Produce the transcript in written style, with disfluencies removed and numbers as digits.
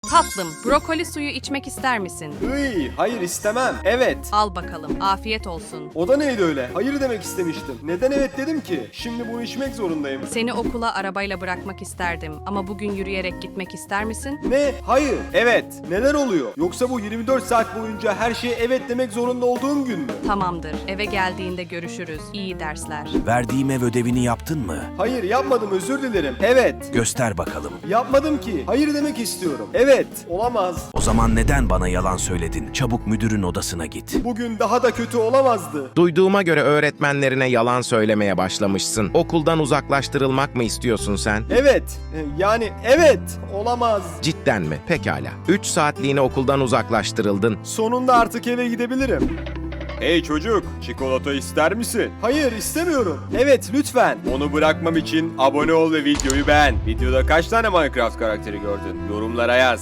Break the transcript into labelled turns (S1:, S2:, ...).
S1: Tatlım, brokoli suyu içmek ister misin?
S2: Hayır istemem. Evet.
S1: Al bakalım, afiyet olsun.
S2: O da neydi öyle? Hayır demek istemiştim. Neden evet dedim ki? Şimdi bunu içmek zorundayım.
S1: Seni okula arabayla bırakmak isterdim ama bugün yürüyerek gitmek ister misin?
S2: Ne? Hayır. Evet. Neler oluyor? Yoksa bu 24 saat boyunca her şeye evet demek zorunda olduğum gün mü?
S1: Tamamdır, eve geldiğinde görüşürüz. İyi dersler.
S3: Verdiğim ev ödevini yaptın mı?
S2: Hayır yapmadım, özür dilerim. Evet.
S3: Göster bakalım.
S2: Yapmadım ki. Hayır demek istiyorum. Evet. Olamaz.
S3: O zaman neden bana yalan söyledin? Çabuk müdürün odasına git.
S2: Bugün daha da kötü olamazdı.
S4: Duyduğuma göre öğretmenlerine yalan söylemeye başlamışsın. Okuldan uzaklaştırılmak mı istiyorsun sen?
S2: Evet. Yani evet. Olamaz.
S4: Cidden mi? Pekala. 3 saatliğine okuldan uzaklaştırıldın.
S2: Sonunda artık eve gidebilirim. Hey çocuk, çikolata ister misin? Hayır, istemiyorum. Evet, lütfen. Onu bırakmam için abone ol ve videoyu beğen. Videoda kaç tane Minecraft karakteri gördün? Yorumlara yaz.